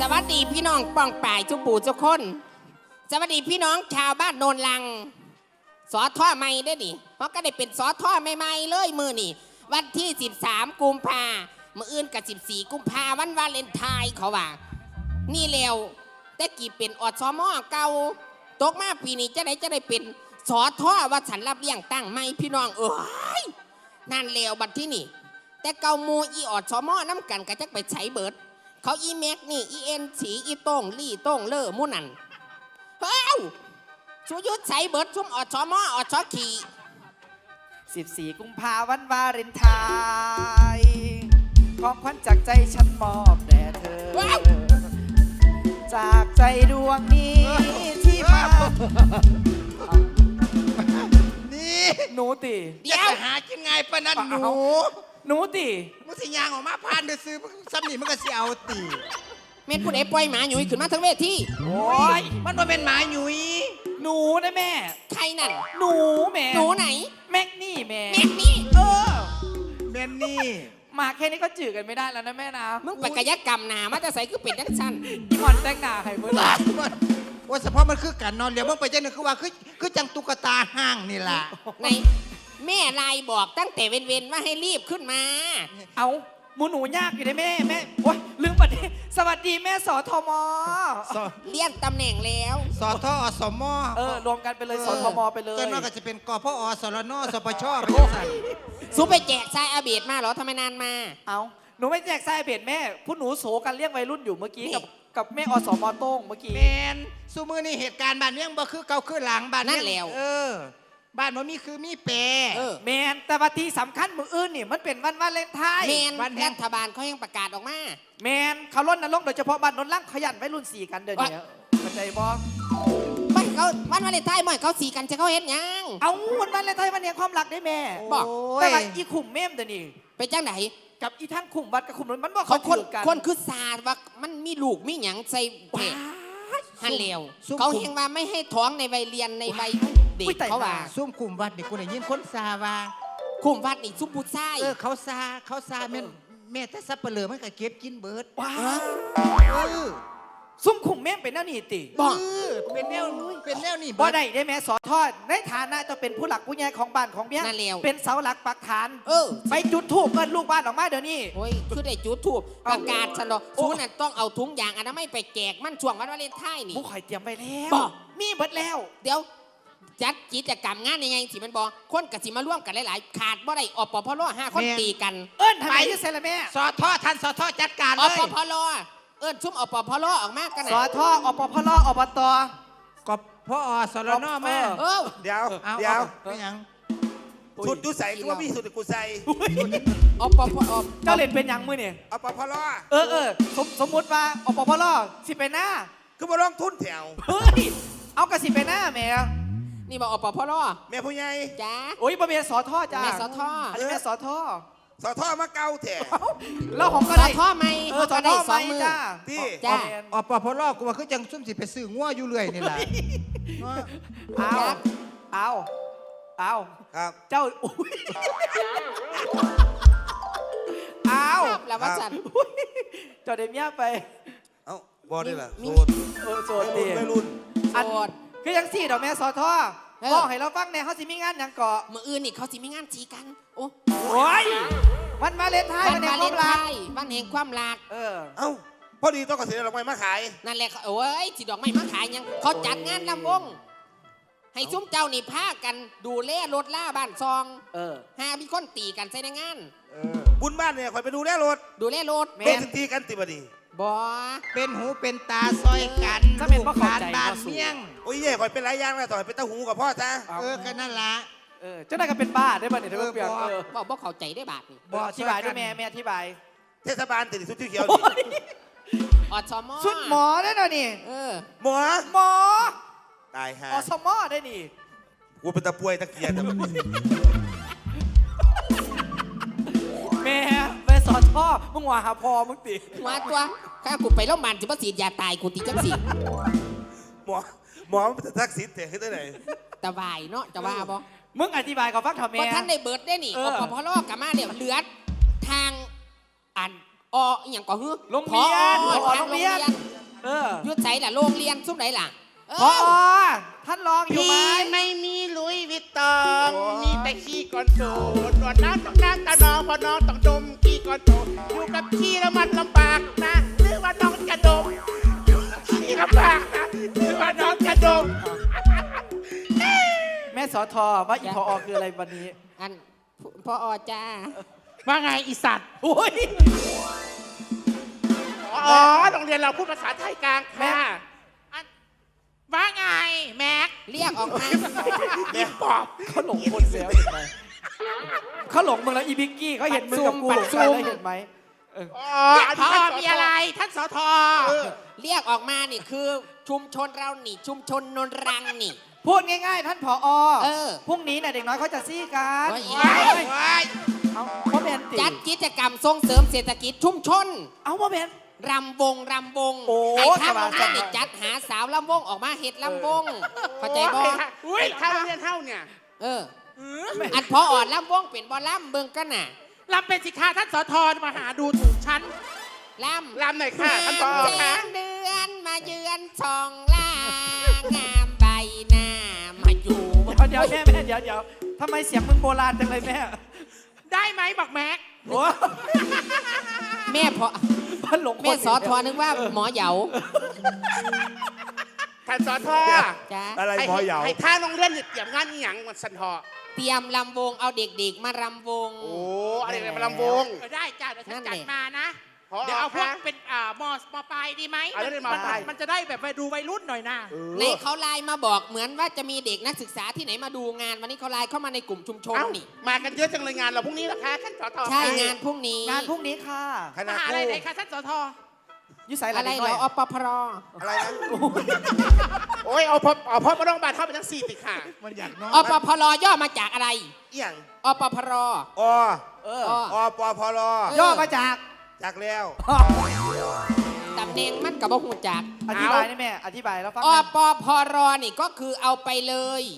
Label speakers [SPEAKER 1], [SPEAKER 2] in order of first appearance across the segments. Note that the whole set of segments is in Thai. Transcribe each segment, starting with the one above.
[SPEAKER 1] วัสดีพี่น้องป้องป่ายทุกปู่ทุกคนสวัสดีพี่น้องชาวบ้านโนนลังสอท่อใหม่ได้ดิเพราะก็ได้เป็นสอท่อใหม่ๆเลยมือนี่วันที่13กุมภามื้ออื่นกับ14กุมภาวันวาเลนไทน์เขาว่านี่แล้วแต่กี่เป็นอสมเก่าตกมาปีนี้จะได้เป็นสอท่อว่าฉันรับเลี้ยงตั้งไม่พี่น้องนั่นแล้วบัดที่นี่แต่เก่ามูอีอสมน้ำกันก็จะไปใช้เบิดเขาอีแม็กนี่อีเอ็นสีอีโต้งลี่โต้งเล่อมู่นั่นเฮ้ยชูยุทธใส่เบิดชุ่มอดชอมอดชอขี่
[SPEAKER 2] 14กุมภาวันวาเลนไทน์ของขวัญจากใจฉันมอบแด่เธอจากใจดวงนี้ที่มา
[SPEAKER 3] นี่
[SPEAKER 2] หนูติ
[SPEAKER 3] เดี๋ยวหากินไงปะนั่น
[SPEAKER 2] หนูติ
[SPEAKER 3] มึงสิยางออกมาพานเดือซื้อซ้ำนี่มึงก็สิเอาตี
[SPEAKER 1] เม็ดผู้ใดปล่อยหมาหนุ่ยขึ้นมาทั้งเวที
[SPEAKER 3] โอ้ยมันมาเป็นหมาหนุ่ย
[SPEAKER 2] หนูนะแม่
[SPEAKER 1] ใครนั่น
[SPEAKER 2] หนูแม่
[SPEAKER 1] หนูไหน
[SPEAKER 2] แม็กนี่แม่
[SPEAKER 1] แม็กนี่
[SPEAKER 3] แม่นี่
[SPEAKER 2] มาแค่นี้ก็จืดกันไม่ได้แล้วนะแม่นะ
[SPEAKER 1] มึงไปกายกรรมหนามาจะใส่คือเป็ดยักษ์สั้น
[SPEAKER 2] อีมอนแต่งหน้าให้มึง
[SPEAKER 3] ว่าเฉพาะมันคือการนอนเดี๋ยวมึงไปเจ้าหนึ่งคือว่าคือจังตุ๊กตาห้างนี่แหละ
[SPEAKER 1] ในแม่ไลน์บอกตั้งแต่เว้นว่าให้รีบขึ้นมา
[SPEAKER 2] เอาหนูยากอยู่ได้แม่โอ๊ยลืมประเด็นสวัสดีแม่สทม
[SPEAKER 1] เลี่ยนตำแหน่งแล้ว
[SPEAKER 3] สทอสม
[SPEAKER 2] รวมกันไปเลยสทมไปเลย
[SPEAKER 3] จนว่าก็จะเป็นกพอสรนสปชไปสั่น
[SPEAKER 1] ซูไปแจกชายอาเบดมาเหรอทำไมนานมา
[SPEAKER 2] เอาหนูไม่แจกชายอาเบดแม่ผู้หนูโศกันเลี้ยงวัยรุ่นอยู่เมื่อกี้กับแม่อสมโต้งเมื่อกี้
[SPEAKER 3] แมนซูมือนี่เหตุการณ์บ้านเมืองบ่คือเก่าคือหลังบ้าน
[SPEAKER 1] นั่นแล้ว
[SPEAKER 3] บ้านมันมีคือมีแปร
[SPEAKER 2] แมนแต่วันที่สำคัญมืออื่นนี่มันเป็นวันวาเลนไทน์
[SPEAKER 1] แมนรัฐบาลเขายังประกาศออกมา
[SPEAKER 2] แมนเขาล้นนรกโดยเฉพาะบ้านนนท์ล่างขยันไว้รุ่น4กันเดี๋ยวนี้เข้าใจบ่
[SPEAKER 1] ไม่เขาวันวาเลนไทน์ไม่เขา4กันจะเขาเห็นยัง
[SPEAKER 2] เอาวันวาเลนไทน์วันนี้ความรักได้แม่
[SPEAKER 1] บอก
[SPEAKER 2] แต่ว่าอีขุมเมมเดี๋ยวนี้
[SPEAKER 1] ไปจ้างไหน
[SPEAKER 2] กับอีทั้งขุมวัดกับขุมนนท์มันว่า
[SPEAKER 1] เขาคนคือศาสตร์ว่ามันมีลูกมีหยังใส่เพศฮันเลวเขาเห็นว่าไม่ให้ท้องในวัยเรียนในวัยเด็กเขาว่า
[SPEAKER 3] ซุ่มคุมวัดนี่กูได้ยินคนซาว่า
[SPEAKER 1] คุมวัดนี่ซุ่มผู้ชาย
[SPEAKER 3] เขาซาแม่แต่ซับเปลือมันก็เก็บกินเบิด
[SPEAKER 2] ว้าซุ่มขุมเมมเป็นแนวนี่ติ
[SPEAKER 3] บอกเป็นแนวนี่
[SPEAKER 2] บ่ได้แม่สอทอดในฐานะจะเป็นผู้หลักผู้ใหญ่ของบ้านของเมียเป็นเสาหลักปักฐานไปจุดธูปเงินลูกบ้านออกมาเดี๋ยวนี้
[SPEAKER 1] โอ้ยคือได้จุดธูปประกาศฉันหรอกซูนั่นต้องเอาถุงยางอนามัยไปแจกมันช่วงวันวาเลนไทน์นี่
[SPEAKER 2] ผู้ข่อยเตรียมไปแล้วมีเบิดแล้ว
[SPEAKER 1] เดี๋ยวจัดกิจกรรมงานยังไงสิมันบอกคนกะสิมาร่วมกันหลายๆขาดบ่ได้อปพล5คนตีกัน
[SPEAKER 2] ทำไมที่เซลแม่
[SPEAKER 3] สอทอท่านสอทอจัดการเลย
[SPEAKER 1] อปพลชุ่มอปพลออกมากัน
[SPEAKER 2] สอทออปพลอบต
[SPEAKER 3] กบพ่อสรนแม่
[SPEAKER 4] เดี๋ยว
[SPEAKER 3] ไม่ยัง
[SPEAKER 4] ชุดดูใส่ก็ว่าพี่สุดกูใส่
[SPEAKER 1] อปพล
[SPEAKER 2] เจ้าเล่นเป็นยังมือเนี่ย
[SPEAKER 4] อปพล
[SPEAKER 2] สมมติว่าอปพลสิเป็นหน้า
[SPEAKER 4] คือมาลองทุนแถว
[SPEAKER 2] เฮ้ยเอากระสิเป็นหน้าแม่
[SPEAKER 1] นี่บอกอปพล
[SPEAKER 4] แม่ผู้ใหญ่
[SPEAKER 1] จ้า
[SPEAKER 2] โอ้ยบ่เมียสอทอจ้า
[SPEAKER 1] แม่สอทอ
[SPEAKER 2] อันนี้แม่สอทอ
[SPEAKER 4] สอทอมาเก่าแถว
[SPEAKER 2] เราของก็
[SPEAKER 1] ได้สอทอไหม
[SPEAKER 2] สอทอไหมจ้า
[SPEAKER 4] ที่
[SPEAKER 1] จ้า
[SPEAKER 3] อปพลกูว่าคือจังซุ่มสิไปซื้องัวอยู่เรื่อยนี่แหละ
[SPEAKER 2] เอา
[SPEAKER 4] ครับ
[SPEAKER 2] เจ้าเอา
[SPEAKER 1] แล้วว่าจัน
[SPEAKER 2] เจ้าเดมียไป
[SPEAKER 4] เอาบอได้ล่ะ
[SPEAKER 2] โสดดี
[SPEAKER 4] ไม่รุ่น
[SPEAKER 1] โสด
[SPEAKER 2] คือยัง4ดอกแม่สอทอบอกให้เราฟังแน่เขาสิมีงานยังเกาะ
[SPEAKER 1] มื้ออื่นนี่เขาสิมีงานจีกันโอ้
[SPEAKER 2] ยวันวาเลนไทน์วันแห่งความรัก
[SPEAKER 1] วันแห่งความรัก
[SPEAKER 4] เอ้าพอดีต้องกระเสียดอกไม้มาขาย
[SPEAKER 1] นั่นแหละโอ้ยสิดอกไม้มาขายยังเขาจัดงานลำวงให้ซุ้มเจ้านี่พากันดูแลรถล่าบ้านซองหามีคนตีกันใส่ในงาน
[SPEAKER 4] บุญบ้านเนี่ยคอยไปดูแลรถเป็นสิตีกันติบดี
[SPEAKER 1] บ่
[SPEAKER 3] เป็นหูเป็นตาซอยกัน
[SPEAKER 2] ถ้าเป็นพ่อขาด
[SPEAKER 3] บ้านเมี่ยง
[SPEAKER 4] โอ้ยเย่คอยเป็นหลายอย่างแล้วต่อยเป็นตาหูกับพ่อจ้า
[SPEAKER 3] แค่นั้นละ
[SPEAKER 2] เจ้าได้ก็เป็นบ้าได้ป่ะเนี่ยเธอเปลี่ยน
[SPEAKER 1] บ่เข้าใจได้บาทนี่
[SPEAKER 2] บ่อธิบายด้วยแม่อธิบาย
[SPEAKER 4] เทศบาลติดสุดที่เขียว
[SPEAKER 1] อสม
[SPEAKER 2] สุดหมอได้หน่อยนี่
[SPEAKER 4] หมอตายฮะ
[SPEAKER 2] อสมได้นี่
[SPEAKER 4] กูเป็นตะป่วยตะเกียร์
[SPEAKER 2] แม่สอนพ่อมึงว่าหาพ่อมึงติ
[SPEAKER 1] ว่าตัวข้ากูไปโรงพยาบาลจะมาฉีดยาตายกูตีจังสิ
[SPEAKER 4] หมอมันเป็นทักษิณแต่ขึ้นได้ไหน
[SPEAKER 1] ตะวายเนาะจะว่าบ่
[SPEAKER 2] มึงอธิบายกับฟังทำไม
[SPEAKER 1] ท่านในเบิร์ดได้นี่อพลอกลับมาเนี่ยเหลือทางอออย่างก็ฮือ
[SPEAKER 2] โรงเรียน
[SPEAKER 1] ผอ
[SPEAKER 2] ผอโรงเรียน เออ
[SPEAKER 1] ยุดใส่ล่ะโรงเรียนซุ่มไหนล่ะเ
[SPEAKER 2] พอท่านรองอยู่ไหม
[SPEAKER 4] พี่ไม่มีลุยวิตตองมีแต่ขี้ก่อนโตหนวดน้ำต้องน้ำตาน้องพอน้องต้องดมขี้ก่อนโตอยู่กับขี้แล้วมันลำบากนะหรือว่าน้องจะดมอยู่กับขี้ลำบากนะหรือว่าน้องจะดม
[SPEAKER 2] แม่สอทอว่าอีพอคืออะไรวันนี้
[SPEAKER 1] อันพอจ้า
[SPEAKER 4] ว่าไงอีสัตว์
[SPEAKER 2] โอ้ย
[SPEAKER 4] อ๋อโรงเรียนเราพูดภาษาไทยกลางค่ะอันว่าไงแม็ก
[SPEAKER 1] เรียกออกมา
[SPEAKER 4] อีปอบ
[SPEAKER 2] เขาหลงคนแล้วเห็นไหมเขาหลงมึงแล้วอีบิกกี้เขาเห็นมึงกับกูหลงกันแล้วเห็นไหม
[SPEAKER 4] อ๋อพอมีอะไรท่านสท
[SPEAKER 1] เรียกออกมานี่คือชุมชนเรานี่ ชุมชนนนรังนี่
[SPEAKER 2] พูดง่ายๆ ท่านผอ
[SPEAKER 1] เออ
[SPEAKER 2] พรุ่งนี้เนี่ยเด็กน้อยเขาจะซี่กัน
[SPEAKER 1] ว่าอี
[SPEAKER 2] เอาพ่อแมนตี
[SPEAKER 1] จัดกิจกรรมส่งเสริมเศรษฐกิจชุมชน
[SPEAKER 2] เอาพ่อแมน
[SPEAKER 1] รำวง
[SPEAKER 2] โอ้
[SPEAKER 1] ไอ้ข้างโรงเรียน
[SPEAKER 2] สบายๆ
[SPEAKER 1] นี่จัดหาสาวลำวงออกมาเฮ็ดลำวง เข้าใจบ่
[SPEAKER 4] อุ้ยถ้าโรงเรียนเท่าเนี่ย
[SPEAKER 1] เออ อันพออ่อนลำวงเป็นบ่ลำเบิ่งกันน่ะ
[SPEAKER 4] ลำเป็นสิคะท่านสทมาหาดูถูกฉัน
[SPEAKER 1] ลำ
[SPEAKER 4] ลำหน่อยค่ะท่านผอ
[SPEAKER 1] แส
[SPEAKER 4] ค่ะ
[SPEAKER 1] งเดือนมาเยือนช่องล่างามใบหน้ามาอยู่
[SPEAKER 2] เดี๋ยวแม่เดี๋ยวทำไมเสียงมึงโบราณจังเลยแม่
[SPEAKER 4] ได้ไหมบอกแม็ก
[SPEAKER 2] โอ้
[SPEAKER 1] แม่พอ
[SPEAKER 2] มันหลงคน
[SPEAKER 1] แม่สอทอนึกว่าหมอเหยา
[SPEAKER 4] ท่านสท
[SPEAKER 1] จ้า
[SPEAKER 5] อะไรพอเหยา
[SPEAKER 4] ให้ท่าโรงเรียนเตรียมงานอหย่างมันสันทอ
[SPEAKER 1] เตรียมลำวงเอาเด็กๆมารำวง
[SPEAKER 4] โอ้อะไรมาลำวงได้จ้าเดี๋ยวฉันจัดมานะ เดี๋ยวเอาพวกเป็นมปลายดีไหม
[SPEAKER 5] เอาเรื่องมปลาย
[SPEAKER 4] มันจะได้แบบไปดูวัยรุ่นหน่อยนะ
[SPEAKER 1] ในเขาไลน์มาบอกเหมือนว่าจะมีเด็กนักศึกษาที่ไหนมาดูงานวันนี้เขาไลน์เข้ามาในกลุ่มชุมชน
[SPEAKER 4] เอ้า
[SPEAKER 1] นี่
[SPEAKER 4] มากันเยอะจังเลยงานเราพรุ่งนี้นะคะท่านสท
[SPEAKER 1] ใช่งานพรุ่งนี้
[SPEAKER 2] งานพรุ่งนี้ค่ะ
[SPEAKER 5] คณะ
[SPEAKER 4] มาหา
[SPEAKER 5] ค
[SPEAKER 4] อะไร
[SPEAKER 5] รู
[SPEAKER 4] ไหนคะท่านสท
[SPEAKER 2] ยุสัยหลา
[SPEAKER 1] อะ
[SPEAKER 2] น
[SPEAKER 1] ไร
[SPEAKER 2] เด็ก
[SPEAKER 1] เห
[SPEAKER 2] น้
[SPEAKER 1] ร
[SPEAKER 2] อย
[SPEAKER 1] ออปพร
[SPEAKER 5] อะไรนะ
[SPEAKER 4] โอ้ยเอาพบมาโรงพยาบาลเข้าไปทั้ง4ติค่ะ
[SPEAKER 3] มันอยากนอน
[SPEAKER 1] อปพรย่อมาจากอะไร
[SPEAKER 5] เอียง
[SPEAKER 1] อปพร
[SPEAKER 5] อ
[SPEAKER 2] เออ
[SPEAKER 1] อ
[SPEAKER 5] ปพล
[SPEAKER 2] ย่อมาจาก
[SPEAKER 5] จากแล้ว
[SPEAKER 1] ตำแหน่งมันกับบ่หูจัก
[SPEAKER 2] อธิบายได้แม่อธิบายแล้วฟัง
[SPEAKER 1] อปพรนี่ก็คือเอาไปเลย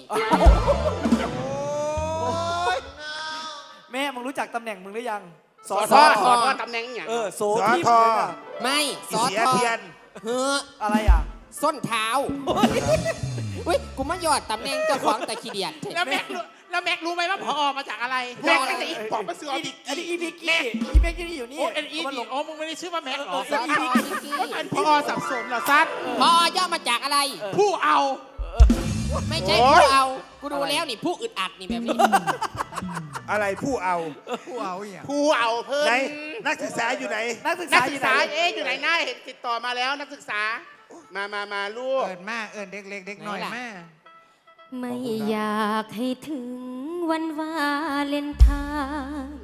[SPEAKER 2] แม่มึงรู้จักตำแหน่งมึงหรือยัง
[SPEAKER 4] สทตำแหน่งอย่าง
[SPEAKER 2] โซที่มึงเลยน่ะ
[SPEAKER 1] ไม่ส
[SPEAKER 5] อี
[SPEAKER 1] อ
[SPEAKER 5] เสีย
[SPEAKER 1] ทอ
[SPEAKER 5] เทียน
[SPEAKER 1] เฮ้อ
[SPEAKER 2] อะไรอ่ะ
[SPEAKER 1] ส้นเท้าอุ้ยกูมายอดตำแหน่งเจ้าของแต่ขี้เดียด
[SPEAKER 4] แล้วแม็กรู้ไหมว่าพอมาจากอะไรแม็กไม่ใช่อีกปอบมาเสือ
[SPEAKER 2] อันนี้อีพิกกี้อีพิกกี้อยู่นี่
[SPEAKER 4] โอ้เอ็นอี
[SPEAKER 2] มันหลง
[SPEAKER 4] โอ้มึงไม่ได้ชื่อว่าแม็กหรอ
[SPEAKER 1] สอทอนิกกี้
[SPEAKER 4] เป็นพอสับสนเหรอซัด
[SPEAKER 1] พอย่อมาจากอะไร
[SPEAKER 4] ผู้เอา
[SPEAKER 1] ไม่ใช่ผู้เอา กูดูแล้วนี่ผู้อึดอัดนี่แบบนี้
[SPEAKER 5] อะไรผู้เอา
[SPEAKER 3] ผู้เอาอย่าง
[SPEAKER 4] ผู้เอาเพิ่น
[SPEAKER 5] ไหนนักศึกษาอยู่ไหน
[SPEAKER 2] นักศึก
[SPEAKER 4] นั
[SPEAKER 2] ษาก อ
[SPEAKER 4] ศึ
[SPEAKER 2] ยู่
[SPEAKER 4] ก
[SPEAKER 2] ไหน
[SPEAKER 4] ษาอยู่ไหนหน้าเห็นติดต่อมาแล้วนักศึกษา มาลูก
[SPEAKER 3] เอินมาเอินเด็กเล็กเด็กน้อยมา
[SPEAKER 6] ไม่อยากให้ถึงวันวาเลนไทน์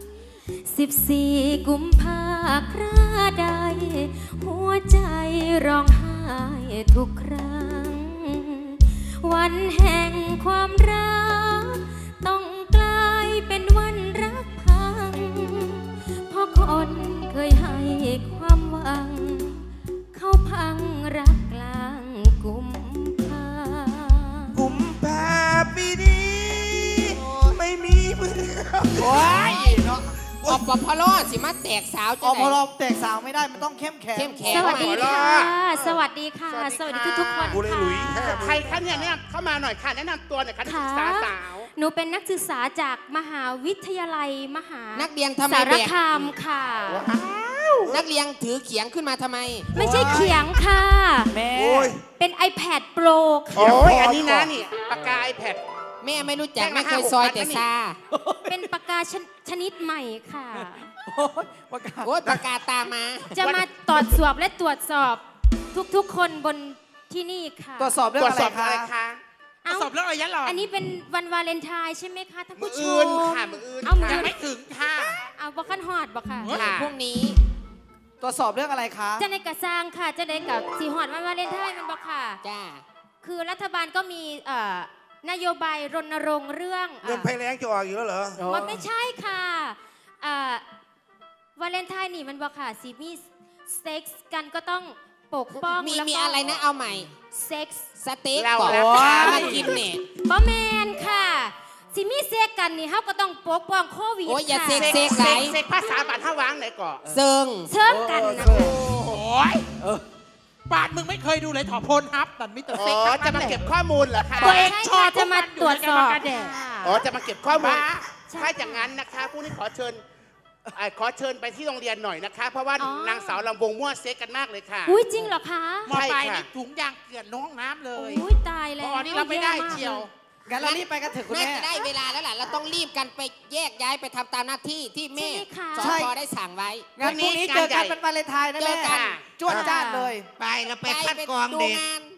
[SPEAKER 6] 14 กุมภาคราใด หัวใจร้องไห้ทุกครั้ง วันแห่งความรัก ต้องกลายเป็นวันรักพัง เพราะคนเคยให้ความหวัง เขาพังรักกลางกุมภา
[SPEAKER 5] กุมภาปีนี้ไม่มีมือ
[SPEAKER 2] โอ้ยเนาะ
[SPEAKER 1] อปพรสิมาแตกสาว
[SPEAKER 2] อ
[SPEAKER 1] จะ
[SPEAKER 2] พ
[SPEAKER 1] ไหน
[SPEAKER 2] อแตกสาวไม่ได้มันต้องเข้มแข็ง
[SPEAKER 1] เข้มแข็ง
[SPEAKER 6] สวัสดี
[SPEAKER 4] ขอรอ
[SPEAKER 6] ค่ะ สวัสดีค่ะ สวัสดีทุกๆคน
[SPEAKER 5] กูเลยหลุยแค่
[SPEAKER 6] ค่ะ
[SPEAKER 4] ใครคะเนี่ยเข้ามาหน่อยค่ะแนะนำตัวหน่อยค่ะนักศึกษาสาว
[SPEAKER 6] หนูเป็นนักศึกษาจากมหาวิทยาลัยมหา
[SPEAKER 1] นักเรียนทำไม
[SPEAKER 6] สาร
[SPEAKER 1] แบก
[SPEAKER 6] คามค่ะ
[SPEAKER 1] นักเรียนถือเขียงขึ้นมาทำไม
[SPEAKER 6] ไม่ใช่เขียงค่ะ
[SPEAKER 2] แม่
[SPEAKER 5] โอ้ย
[SPEAKER 6] เป็น iPad Pro ค่ะ
[SPEAKER 4] โอ้ยอันนี้นะนี่ปากกาไอแพด
[SPEAKER 1] แม่ไม่รู้จัก
[SPEAKER 4] แจ้งมา
[SPEAKER 1] ไม่เคยซอย
[SPEAKER 4] 5-6
[SPEAKER 1] แต่ซา
[SPEAKER 6] เป็นปากกาชนิดใหม่ค่ะ
[SPEAKER 2] โอ้ยประกาศ
[SPEAKER 1] โอ๊ยปากกาตามมา
[SPEAKER 6] จะมาตรวจสอบและตรวจสอบทุกๆคนบนที่นี่ค่ะ
[SPEAKER 2] ตรวจสอบเรื่อง
[SPEAKER 4] ตรวจ
[SPEAKER 2] อะไร
[SPEAKER 4] สอบอะไร
[SPEAKER 2] คะ
[SPEAKER 4] คะ
[SPEAKER 6] เอ้า
[SPEAKER 4] สอบเรื่องอะไรยันหรอ
[SPEAKER 6] อันนี้เป็นวันวาเลนไทน์ใช่ไหมคะท่าน
[SPEAKER 4] มื
[SPEAKER 6] ผู้
[SPEAKER 4] อ
[SPEAKER 6] ช
[SPEAKER 4] อื่น
[SPEAKER 6] ม
[SPEAKER 4] ค่ะมืออื่น
[SPEAKER 6] เอามือ
[SPEAKER 4] ยังไม่ถึงค่ะ
[SPEAKER 6] เอาบอกขันฮอดบอกค่ะ
[SPEAKER 4] ค่ะ
[SPEAKER 1] พรุ่งนี้
[SPEAKER 2] ตรวจสอบเรื่องอะไรคะ
[SPEAKER 6] จะในกระซางค่ะ จะในกับสีหอดวันวาเลนไทน์มันบอกค่ะ
[SPEAKER 1] จ้า
[SPEAKER 6] คือรัฐบาลก็มีนโยบายรณรงค์เรื่อง
[SPEAKER 5] เงินภัยแรงจะออกอยู่แล้วเหรอ
[SPEAKER 6] มันไม่ใช่ค่ะวาเลนไทน์นี่มันบอกค่ะสีมีเซ็กซ์กันก็ต้องปกป้อง
[SPEAKER 1] มี
[SPEAKER 6] แล้วก็
[SPEAKER 1] มีอะไรนะเอาใหม่
[SPEAKER 6] เซ็กซ์
[SPEAKER 1] สเต็ก
[SPEAKER 4] เรา
[SPEAKER 1] บอก
[SPEAKER 4] แล้ว
[SPEAKER 1] มากินเนี่ย
[SPEAKER 6] บอแมนค่ะสิมีเสกกันนี่เฮาก็ต้องปกป้องโควิด
[SPEAKER 1] โอ้ยอย่า
[SPEAKER 6] ค่ะ
[SPEAKER 1] เสก
[SPEAKER 4] เสกภาษาบาทท่าวางไหนก่อน
[SPEAKER 1] เซิง
[SPEAKER 6] เชิญกันนะ
[SPEAKER 7] โอ้ยบาทมึงไม่เคยดูเลยถอโพลฮับนั่นมิสเตอร์
[SPEAKER 4] อ๋
[SPEAKER 7] เซ็ก
[SPEAKER 4] อจะมาเก็บข้อมูลเหรอคะ
[SPEAKER 7] ตัวเองชอบ
[SPEAKER 6] จะมาตรวจสอบ
[SPEAKER 4] อ๋อจะมาเก็บข้อมูล
[SPEAKER 7] บ้า
[SPEAKER 4] ถ้าอย่างนั้นนะคะผู้นี้ขอเชิญไปที่โรงเรียนหน่อยนะคะ เพราะว่านางสาวลำวงมั่วเซ็กกันมากเลยค่ะ
[SPEAKER 6] อุ้ยจริงเหรอคะ
[SPEAKER 7] มอไป
[SPEAKER 4] ใช่ค่ะ
[SPEAKER 7] นี่ถุงยางเกลื่อนลงห้องน้ำเลย
[SPEAKER 6] อุ้ยตายแล้ว
[SPEAKER 7] พอนี่เราไม่ได้เชียว
[SPEAKER 2] งั้นเรารีบไปกันเถอะคุณ
[SPEAKER 1] น่า
[SPEAKER 2] แม่
[SPEAKER 1] จะได้เวลาแล้วล่ะเราต้องรีบกันไปแยกย้ายไปทำตามหน้าที่ที่แม่
[SPEAKER 6] ใช่ไหมคะ
[SPEAKER 1] สพได้สั่งไว้
[SPEAKER 2] งั้นพรุ่งนี้เจอกันเป็นวาเลนไทน์นะแม่
[SPEAKER 1] เจอกัน
[SPEAKER 2] จวดจ้าดเลย
[SPEAKER 3] ไปแล้วไปคัดกรองเด็ก
[SPEAKER 1] ดูงาน